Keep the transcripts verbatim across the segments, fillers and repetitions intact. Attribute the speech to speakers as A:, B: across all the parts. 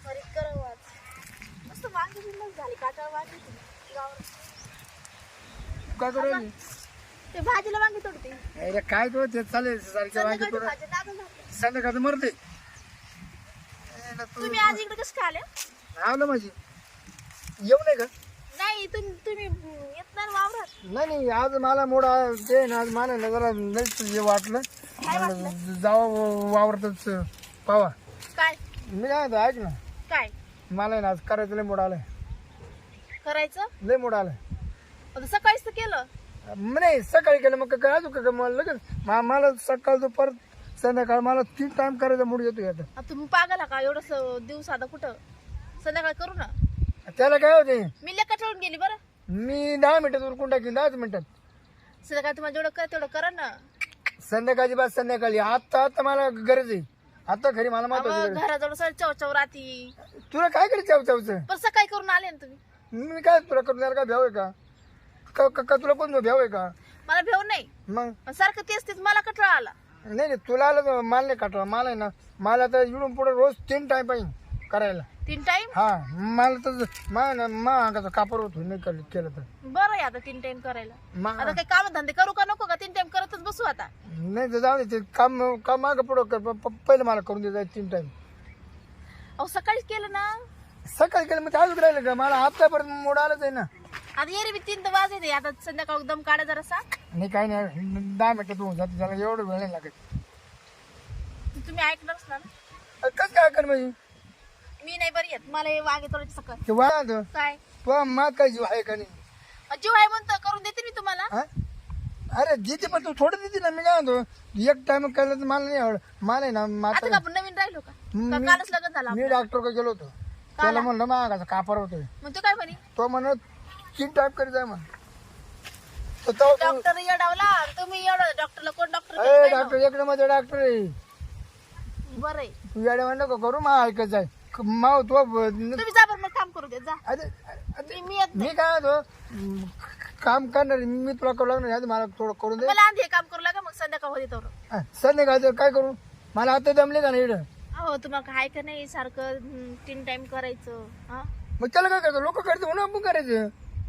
A: हरीत करावं आज. मस्त वांगी बिंगी झाली काटाळ वांगी गावावर.
B: काय करू राहिली?
A: ते भाजीला वांगी तोडते.
B: अरे काय करू ते चालेल सारख्या वांगे
A: संध्याकाळची
B: करू
A: भाजी दादा झाली.
B: संध्याकाळचं मरते
A: तुम्ही आज इकडे कसं काय आले?
B: आवलं माझी येऊ नाही का?
A: नाही तुम्ही तुम्ही येत नाही ना वावरात.
B: नाही नाही आज मला मोडा ते ना आज मला ना जरा लईच हे वाटलं
A: काय वाटलं?
B: जावं वावरतच पावा.
A: काय
B: मी काय म्हणतो, ऐक ना
A: काय
B: मला आहे ना आज करायचं लय मोड आलाय.
A: करायचं?
B: लय मोड आलाय.
A: आता सकाळीच तर केलं.
B: नाही सकाळी केलं मग काय अजून का मला लगेच मा- मला सकाळ दुपार संध्याकाळ मला तीन टाइम करायचा मूड येतो आता.
A: आता तुम्ही पागल का एवढं दिवस आता कुठं संध्याकाळ करू ना.
B: त्याला काय होते
A: मी लेखा ठेवून गेली बरं.
B: मी दहा मिनिटात उरकून टाकीन दहाच मिनिटात.
A: संध्याकाळ तुम्हाला जेवढं करा तेवढं करा ना.
B: संध्याकाळची बात संध्याकाळी आता आता मला गरज आहे. आता खरी मला महत्वाची
A: अहो,
B: गरज आहे.
A: घराजवळ सर चवचव राहती.
B: तुला काय करायचं चाव चावचं
A: पण सकाळी करून आले ना तुम्ही.
B: मी काय तुला करून द्यायला काय भ्याव आहे का? का- का- का तुला कोण भ्याव आहे का?
A: मला भेव नाही.
B: मग
A: पण सारखं तेच तेच मला कठळा आला.
B: नाही नाही तुला आलं तर मला नाही काटवा. मला आहे ना मला तर इकडून पुढे रोज तीन टाइम पाहिजे करायला.
A: तीन टाइम
B: हा मला तर मा ना मा अंगाचा कापर होतो नाही केलं केलं तर.
A: बरं आहे आता तीन टाइम करायला.
B: मा
A: आता काही काम धंदे करू का नको का तीन टाइम करतच बसू आता.
B: नाही तर जाऊ दे ते काम काम मागं पुढं कर प- प- पहिलं मला करून दे तीन टाइम.
A: अहो सकाळीच केलं ना.
B: सकाळी केलं मग ते अजून राहिलं का? मला आतापर्यंत मोड आलंच आहे ना.
A: आता येरी बी तीन तर वाज येते. आता संध्याकाळ दम काढा जरासा.
B: नाही काही नाही दहा मिनिटात होऊन जाते त्याला एवढं वेळ नाही लागत.
A: तुम्ही ऐकणारच ना.
B: कसं काय कर म्हणजे
A: मी नाही बरी येत. मला हे वागे तोडायचे सकाळ.
B: ते वाद
A: काय
B: तो मात काय जीव आहे का नाही?
A: जीव आहे म्हणतो करून देते मी तुम्हाला.
B: हा? अरे देते पण तू थोडं देते ना. मी काय म्हणतो एक टाइम केलं तर मला नाही आवड. मला आहे ना
A: आता
B: माता
A: का आपण नवीन राहिलो का? का
B: मी-
A: कालच लग्न झालं
B: मी
A: आपलं?
B: डॉक्टर का गेलो होतो. त्याला म्हणलं मागाचा कापर होतोय.
A: मग तू काय म्हणे?
B: तो म्हणत तीन टाइप करीत आहे म्हण. तर तो-
A: डॉक्टर येडावला. तुम्ही एवढं डॉक्टरला कोण
B: ए,
A: डॉक्टर?
B: डॉक्टर एक मध्ये डॉक्टर आहे.
A: बरं आहे.
B: तू येड्या म्हणलं का करू मा ऐकत आहे माव तो
A: तुम्ही जा बरं मग काम करू दे जा.
B: अरे अरे,
A: मी मी येत
B: मी काय म्हणतो काम करणार आहे. मी तुला करू लागणार आहे. मला थोडं करून दे.
A: मला आधी हे काम करू लागा मग संध्याकाळ होते तर.
B: हा, संध्याकाळचं काय करू? मला आता जमले का नाही इकडं?
A: हो तुम्हाला काय का नाही सारखं हम्म, तीन टाइम करायचं. हा
B: मग त्याला काय करतो? लोक करतो म्हणून आपण करायचं.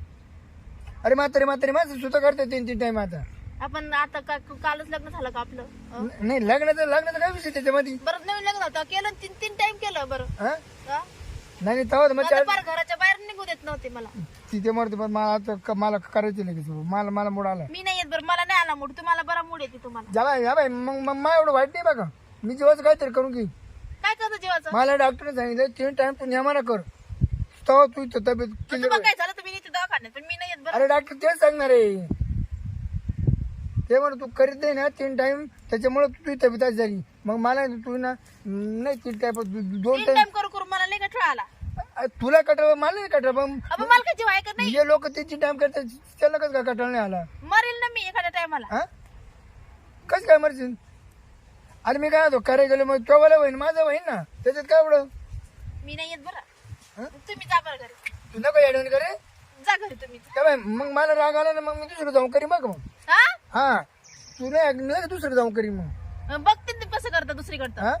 B: अरे म्हातारे म्हातारे माझं सुद्धा करते तीन तीन टाइम आता.
A: आपण आता का कालच लग्न झालं का आपलं? अं?
B: न- नाही लग्नाचं लग्नाचं काय विषय त्याच्यामध्ये?
A: बरं नवीन लग्न होतं केलं तीन तीन टाइम केलं बरं.
B: हा?
A: हा?
B: नाही नाही तेव्हा तर मग
A: आता
B: चार
A: फार घराच्या बाहेर निघू देत नव्हते मला.
B: तिथे मरते पण मला आता क- मला करायचं लगेच. मला मला मूड आला.
A: मी नाही येत बरं. मला नाही आला मूड. तुम्हाला बरा मूड येते तुम्हाला.
B: जा बाई, जा बाई. मग मग मा एवढं वाईट नाही बघा. मी जेव्हाच काहीतरी करून घे.
A: काय करतो जीवाचं?
B: मला डॉक्टरने सांगितलं तीन टाइम तू नेमाना कर तेव्हा तू इथं तब्येत
A: मग
B: clear
A: तुम्हाला
B: होईल.
A: काय झालं तुम्ही इथे दवाखान्यात पण मी नाही येत बरं.
B: अरे डॉक्टर तेच सांगणार आहे. ते म्हण तू करीत नाही ना तीन टाइम त्याच्यामुळे तुझी तब्येत अशी झाली. मग मला तू ना नाही तीन टाइम दोन
A: तीन
B: टाइम
A: टाइम करू करू मला नाही का ठेवा आला.
B: तुला कटळ मला नाही कटळ पण
A: अबे मला काय जीव आहे का नाही?
B: जे लोक तीन तीन टाइम करतात त्याला कसं काय कटळ नाही आला?
A: मरेल ना मी एखाद्या टायमाला.
B: हा कसं काय मरशील? अरे मी काय म्हणतो करायला गेलो मग तो वाला होईन माझं होईन ना त्याच्यात काय एवढं?
A: मी नाही येत बरं.
B: हं?
A: तुम्ही जा बरं घरी.
B: तू नको ऍडवून करे
A: जा घरी तुम्ही.
B: काय बाई, मग मला राग आला ना मग मी दुसरं जाऊन करी मग मग
A: हा
B: हा तू नाही ऐकलं का दुसरं जाऊन करी मग.
A: मग बघते ते कसं करता दुसरीकडं.
B: हा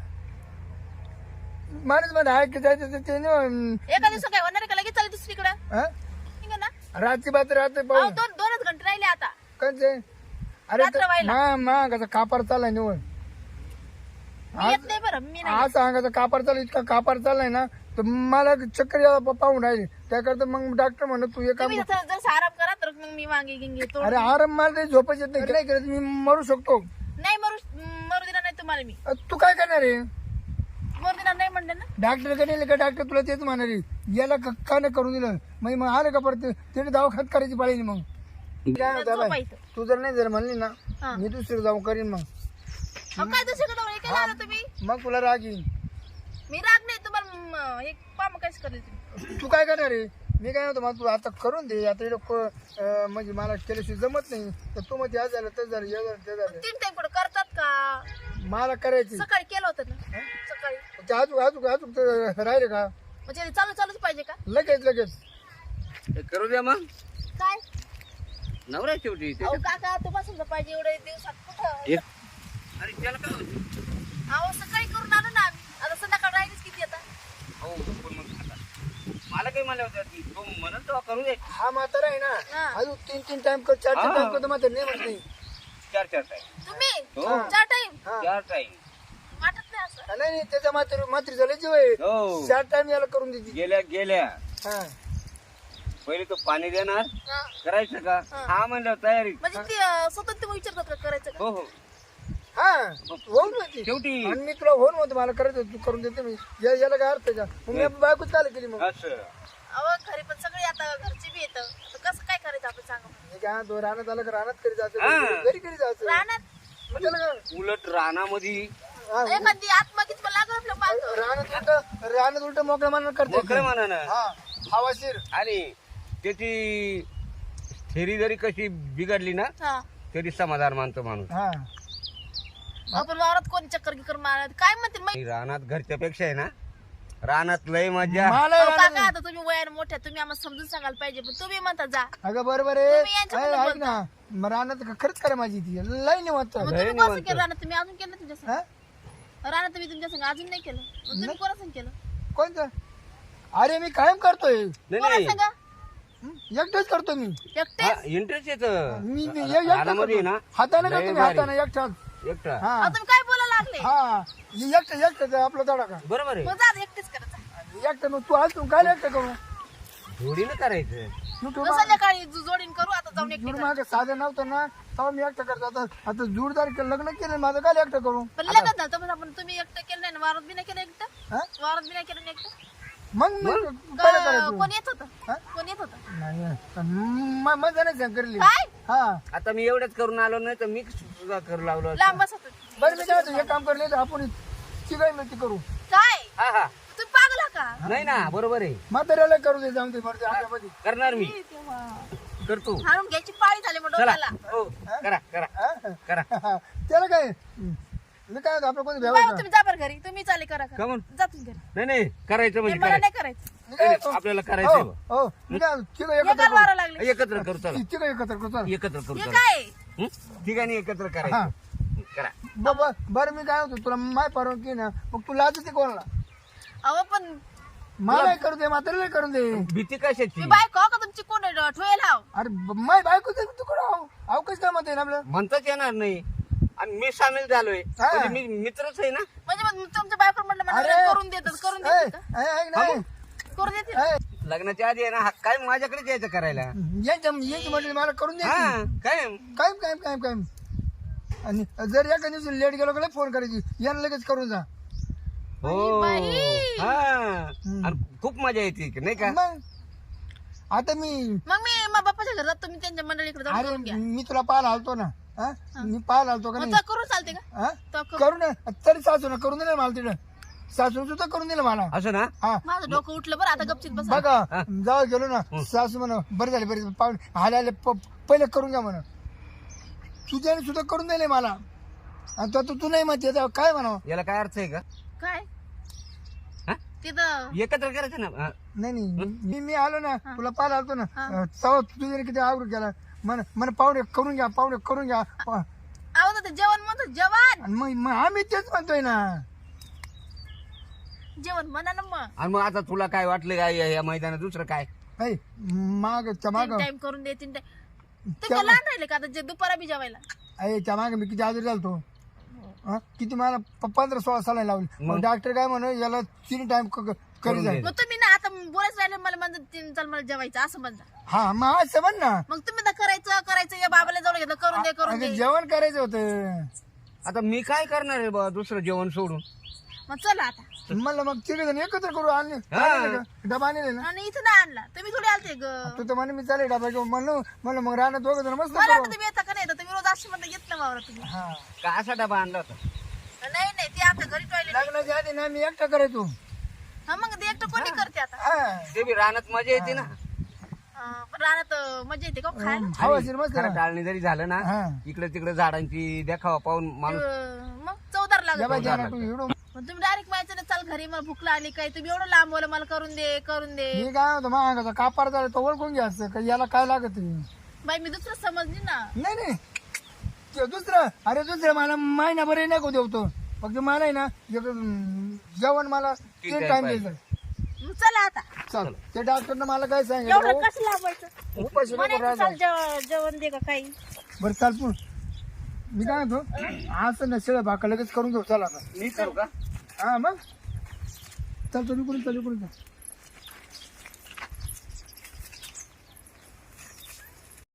B: माणूस मध्ये ऐक जायचं ते- ते नाही,
A: एका दिवस काय होणार आहे का लगेच चालेल दुसरीकडं?
B: हा?
A: ठीक आहे ना.
B: रातची बात राहते
A: अहो,
B: पाहून
A: दोन दोनच घंटे राहिले आता.
B: कंचे अरे
A: रात्र व्हायला.
B: मा मा कसा कापार चाललाय निवड
A: मी येत नाही बरं. मी नाही
B: आज सांगायचं कापार चालू इतका कापार चाललाय ना तर मला चक्कर यायला प- पाहून राहिले. त्याकरता मग डॉक्टर म्हणत तू हे काम
A: तुम्ही जसं जसं आराम करा तर मग मी वांगी गिंगी तोड.
B: अरे आराम मला ते झोपायचं येत नाही. नाही करत मी मरू शकतो.
A: नाही मरू मरू देणार नाही तुम्हाला मी.
B: अ, तू काय करणार आहे?
A: मरू देणार नाही म्हणले ना.
B: डॉक्टर कडे का डॉक्टर तुला तेच म्हणणार आहे. याला क- का नाही करून दिलं मग मग आलं का परत तिने दवाखान्यात करायची पाळी मग काय म्हणतो बाई,
A: झोपायचं.
B: तू जर नाही जर म्हणली ना
A: हा.
B: मी दुसरं जाऊन करीन मग
A: अहो, काय दुसरीकडे हे केलं आता तुम्ही?
B: मग तुला राग येईल.
A: मी राग नाही तुम्हाला म, हे काम काहीच करेल तुम्ही.
B: तू काय करणार आहे? मी काय म्हणतो मग तू आता करून दे. आता इकडं को- अं, म्हणजे मला केल्याशिवाय जमत नाही तर तू मग हे झालं तर झालं हे झालं ते झालं
A: तीन टाइम कुठं करतात का?
B: मला करायची
A: सकाळी केलं होतं ना. सकाळी
B: ते अजून अजून अजून ते राहिले का
A: म्हणजे ते चालू चालूच पाहिजे का?
B: लगेच लगेच
C: हे करू द्या मग
A: काय
C: नवरा शेवटी ते-
A: अहो काका तुम्हाला समजा पाहिजे एवढे दिवसात कुठं?
C: एक- अरे त्याला काय होतं?
A: अहो सकाळी करून आलो ना आम्ही. आता संध्याकाळ राहिलीच किती आता?
C: हो पण म्हणले होते ती. तो म्हणत तेव्हा करू दे.
B: हा म्हातारा आहे ना
A: हा.
B: अजून तीन तीन टाइम कर चार चार
C: हा.
B: टाइम करतो म्हातारा नाही म्हणत नाही
C: चार चार टाइम
A: तुम्ही
C: हो.
A: चार टाइम
B: हा.
C: चार टाइम
A: वाटत नाही असं.
B: नाही नाही त्याच्या मात्र मात्र झालं जीव आहे
C: हो
B: चार टाइम याला करून देते
C: गेल्या गेल्या
B: हा
C: पहिले तो पाणी देणार
A: हा.
C: करायचं का
A: हा.
C: हा म्हणलं तयारी
A: म्हणजे ते अं, स्वतः ते विचारतात का करायचं का?
C: हो हो
B: हा होऊन होती
C: शेवटी
B: आणि मी तुला होऊन होतं मला करायचं तू करून देते मी या- याला काय अर्थ आहे का मग मी बायको चालू केली मग
C: असं
A: अहो घरी पण सगळे आता घरचे बी येतं आता कसं काय करायचं आपण सांगा मला.
B: मी काय तो रानात आला का रानात करी जायचं
C: हा.
B: घरी- घरी करी जायचं
A: रानात
B: मग त्याला काय
C: उलट रानामध्ये
B: हा,
A: एखादी आत्मा किती पण लागलं आपलं पाहतो.
B: रानात उलट रानात उलट मोकळ्या मानानं करते
C: मोकळ्या मनानं
B: हा हवाशीर
C: आणि त्याची थेरी जरी कशी बिघडली ना
A: हा
C: तरी समाधान मानतो माणूस
B: हा
A: आपण वावरात कोणी चक्कर गिकर मारत काय म्हणते माहिती
C: आणि रानात घरच्या पेक्षा आहे ना रानात लय मजा
B: मला
A: अहो,
B: रानात-
A: काका आता तुम्ही वयाने मोठ्या तुम्ही आम्हाला समजून सांगायला पाहिजे पण तुम्ही म्हणता जा
B: अगं बरोबर आहे
A: तुम्ही यांच्याबद्दल
B: ऐ, ऐक ना मग रानात खरंच करा माझी ती लई निवांत
A: मग
C: लय
A: तुम्ही कसं
C: निवांत.
A: केलं राहणार तुम्ही अजून केलं तुमच्या संग
B: हा
A: राहणार तुम्ही तुमच्या संग अजून नाही केलं मग तुम्ही कोणा संग केलं
B: कोणतं अरे मी कायम करतोय
C: नाही
A: कोणा
C: नाही
A: संग
B: हं? एकटाच करतो मी
A: एकटे
C: इंटरेस्ट येत
B: मी मी एक- एकटा
C: रानामध्ये आहे
B: करतो.
C: ना
B: हाताने
C: लय
B: करतो मी
C: भारी.
B: हाताने एकटाच
C: एकटा
B: हा
A: अहो, तुम्ही काय बोलायला लागले
B: हा एकटा एकटा आपला तडा का
C: बरोबर आहे
A: मग जा एकटेच करायचं
B: एकटा मग तू आज तू काय एकटा करू
C: जोडीनं करायचं
B: युट्यूब
A: संध्याकाळी जो- जोडीन करू आता जाऊन एकटे
B: जुड मागे साधं नव्हतं ना तेव्हा मी एकटा करतो आता आता जोडदार केलं, लग्न केलं माझं काय एकटा करू
A: पण लग्न झालं तर आपण तुम्ही एकटं केलं नाही ना वावरात बी नाही केलं एकटं
B: हा?
A: वावरात बी नाही केलं ना एकटं
B: मग मी पहिलं
A: का-
B: करायचं
A: कोण येत होतं
B: हा?
A: कोण येत होतं
B: नाही म- मजा नाही सांग करली
A: काय
B: हा
C: आता मी एवढंच करून आलो नाही तर मी सुद्धा करू लागलो असतो.
A: लांब बसत होते.
B: बरं मी काय म्हणतो, हे काम करले तर आपण चिकाई मिळती करू
A: काय
C: हा हा
A: तुम्ही पागला का
C: नाही ना बरोबर आहे
B: म्हाताऱ्याला करू दे जाऊन ते बरं आमच्यामध्ये
C: करणार मी
A: तेव्हा
C: करतो
A: हाणून घ्यायची पाळी झाली मग
C: चला
A: डोक्याला
C: हो करा करा
B: हा?
C: करा
B: त्याला काय मी काय म्हणतो, आपलं कोणी
A: बाबा
B: भेवायचं
A: तुम्ही जा बरं घरी तुम्ही चाले करा करा.
C: का म्हणून?
A: जा तुम्ही घरी
C: नाही नाही करायचं
A: हे
C: म्हणजे
A: मला
C: करायचं
A: नाही करायचं
B: मी काय म्हणतो,
C: आपल्याला
B: हो
C: करायचं
B: हो मी काय म्हणतो, ठीक आहे
A: हे
B: एकत्र
A: काल वारा लागले
B: करू
C: एकत्र करू चला
B: ठीक आहे एकत्र करू चला.
C: एकत्र करू
A: हे
C: चला
A: काय
C: हं? ठिकाणी एकत्र
B: हा.
C: करायचं करा
B: ब- ब- बरं मी काय होतो तुला माय परवानगी ना मग तू लाज ते कोणाला
A: अहो पण
B: मला करू दे म्हाताऱ्याला करून दे
C: भीती कशाची
A: मी बायको हो का तुमची कोण आहे? ठोयल हाव
B: अरे ब- माय बायको दे तू कुठं आहो अहो कसं काय म्हणते ना आपलं
C: म्हणताच येणार नाही आणि मी सामील झालोय
B: हा.
C: म्हणजे मी मित्रच आहे ना
A: म्हणजे मग तुमच्या बायको म्हटलं मला
B: अरे
A: करून देतात करून
B: ए,
A: देतात का?
B: ए, ऐक ना, ए,
A: करून देतील
B: ए,
C: लग्नाच्या आधी आहे ना हा काय माझ्याकडेच यायचं करायला
B: यांच्या यांची म्हटलं मला करून दे
C: हा काय
B: कायम कायम कायम कायम आणि जर एका दिवशी लेट गेलो का फोन करायची यांना लगेच करून जा
C: हो
A: बाई.
C: हा आणि खूप मजा येते की नाही का
B: मग आता मी
A: मग मी मग बाप्पाच्या घरात तुम्ही त्यांच्या मंडळीकडे जाऊन
B: अरे
A: करून घ्या
B: मी तुला पाहायला आलतो ना हा? मी पाहायला आलतो का
A: मग
B: नाही
A: तर करून चालते का
B: हा?
A: तर करू.
B: करू ना तरी सासू ना करून दिलं मला तिकडं सासू सुद्धा करून दिलं मला
C: असं ना
B: हा
A: माझं डोकं उठलं बरं आता गपचित बसा
B: बघा जाऊ गेलो ना सासू म्हणा बरं झाले बरे पाहुणे आले आले प- पहिले करून घ्या म्हणा तुझ्याने सुद्धा करून दिले मला आणि तो तू नाही म्हणते आता काय म्हणावं
C: याला काय अर्थ आहे का
A: काय
C: हा?
A: तिथं
C: एकत्र करायचं ना हा.
B: नाही नाही मी मी आलो ना तुला पाहायला आलतो ना
A: हा.
B: तेव्हा तुझ्याने किती आवड केला मन मन पाहुणे करून घ्या पाहुणे करून घ्या पा-
A: आहो ते जेवण म्हणतो जेवण
B: आणि मग मग आम्ही तेच म्हणतोय ना
A: जेवण म्हणा ना मग
C: आणि मग आता तुला काय वाटलं काय या या मैदानात दुसरं काय
B: ऐ, माग त्या माग
A: तीन टाइम करून दे तीन टाइम ते काय लहान राहिले का आता जे दुपारा बी जेवायला
B: अरे त्या माग मी किती आजारी झालतो हा? किती मला प- पंधरा सोळा साला लावली मग डॉक्टर काय म्हणे याला तीन टाइम करी जाईल
A: मग तुम्ही ना आता बोलायच राहिले मला म्हणतात तीन चाल मला जेवायचं असं म्हणता
B: हा मग असं म्हण ना
A: मग तुम्ही तर करायचं करायचं या बाबाला जाऊन घेतलं करून दे करून
B: अगं,
A: दे
B: जेवण करायचं होतं
C: आता मी काय करणार आहे बा दुसरं जेवण सोडून
A: मग चला आता
B: म्हणलं मग तिघ जण एकत्र करू आणले
C: हा.
B: आणले का? डबा आणले ना
A: आणि इथं नाही आणला तुम्ही थोडी आलते ग
B: तू तर म्हणे मी चालेल डबा घेऊन म्हणलो म्हणलं मग राहणार दोघं जण मस्त
A: मला
B: करू
A: वाटतं तुम्ही येता का नाही येता तुम्ही रोज अशी म्हणता येत ना वावरा तुम्ही
B: हा
C: का असा डबा आणला होता
A: नाही नाही ते आता घरी टॉयलेट
B: लग्नाच्या आधी ना मी एकटा करायचो
A: हा मग ते एकटं कोणी करते आता
B: हा
C: ते बी रानात मजा येते ना
A: अं, पण रानात अं, मजा येते का हो खायला
B: हवा शिर मस्त
C: खरं टाळणी जरी झालं ना
B: हा
C: इकडे तिकडे झाडांची देखावा पाहून माणूस
A: अं, मग चौदार
B: या
A: लागत
B: बाई जाणार तू एवढं
A: मग तुम्ही डायरेक्ट माहिती ना चाल घरी मला भूक लागली काय तुम्ही एवढं लांब बोला मला करून दे करून दे
B: मी काय होतो मग कापार झालं तो ओळखून घ्यायचं का याला काय लागत आहे?
A: बाई मी दुसरं समजली ना
B: नाही नाही ते दुसरं अरे दुसरं मला महिना बरे नको देवतो फक्त मला आहे ना एक, अं, जेवण मला तीन
C: time
B: टाइम
C: पाहिजे.
B: द्यायचं
A: मग चला आता
B: चल ते डॉक्टरनं मला काय
A: एवढं
B: सांगितलं
A: कसं लावायचं
B: उपाशी नको
A: म्हणायचं
B: राहायला.
A: चाल जेव- जेवण दे का काही
B: बरं चाल पण मी काय म्हणतो असं ना शेळ भाका लगेच करून घेऊ चल आता
C: मी करू का
B: हा मग चल चल इकडून चल इकडून चल